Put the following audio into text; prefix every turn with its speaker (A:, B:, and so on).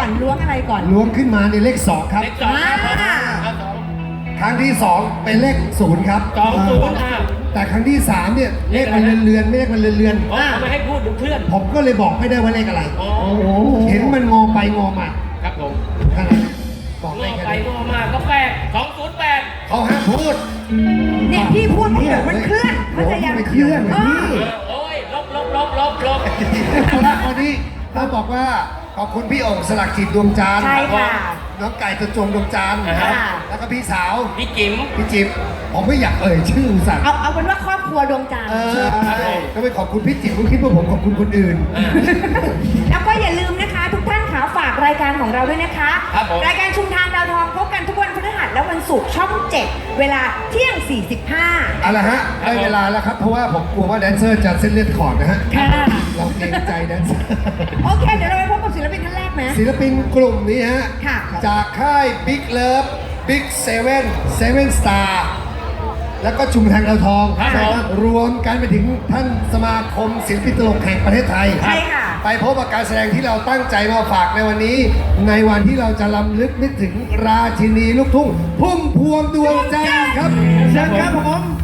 A: ก่อนล้วงอะไรก่อน
B: ล้วงขึ้นมาในเลข2ครับ
C: เลขสองครับสอง
B: ครั้งที่2เป็นเลข0ครับ
C: 20
B: แต่ครั้งที่3เนี่ยเลขมันเรือนๆไม่เลขมันเรือน
C: อ๋อไม่ให้พูดถึงเคลื่อน
B: ๆผมก็เลยบอกไม่ได้ว่าเลขอะไร
C: อ๋อ
B: เห็นมันงอไปงอมา
C: ครับผม
B: ขนาดนั้นบอก
C: ง
B: ได้
C: อ
B: แค่
C: ไป
B: นี้
C: งอมาก็แปด208
B: เขาห้ามพูด
A: เนี่ยพี่พูดไม่ถูกมันเคลื่อนเข้าใจยัง
B: ไม่เคลื่อน
A: เออ
C: โอ้ยลบ
B: วันนี้ต้องบอกว่าขอบคุณพี่โอ่งสลักจิตดวงจันทร์
A: ใช่ค่ะ
B: น้องไก่ตะจงดวงจันทร์
A: ค่ะ
B: แล้วก็พี่สาว
C: พี่จิ๋ม
B: พี่จิ๊บผมไม่อยากเอ่ยชื่ออุตส่าห์
A: เอาเป็นว่าครอบครัวดวงจันทร์
B: ก็ไปขอบคุณพี่จิ๊บผมคิดว่าผมขอบคุณคนอื่น
A: แล้วก็อย่าลืมนะคะ ทุกท่านขาฝากรายการของเราด้วยนะคะ
C: ครับผม
A: รายการชุมทางดาวทองพบกันทุกวันพฤหัสและวันศุกร์ช่อง 7 เวลาเที่ยง 45
B: เอาละฮะได้เวลาแล้วครับ เพราะว่าผมกลัวว่าแดนเซอร์จะเส้นเลือดขอดนะฮะ
A: ค่ะ
B: เราเกรงใจแดนเซอร์
A: โอเค เดี๋ยวเราไปพบกับศิลปินท่านแรกไหม
B: ศิลปินกลุ่มนี้ฮะ
A: ค่ะ
B: จากค่าย Big Love Big Seven Seven Star แล้วก็ชุมทางดาวทอง
C: ครับผม
B: รวมกันไปถึงท่านสมาคมศิลปินตลกแห่งประเทศไทย
A: ใช่ค่ะ
B: ไปพบกับการแสดงที่เราตั้งใจมาฝากในวันนี้ ในวันที่เราจะรำลึกนึกถึงราชินีลูกทุ่งพุ่มพวงดวงจันทร์ครับเชิญครับผม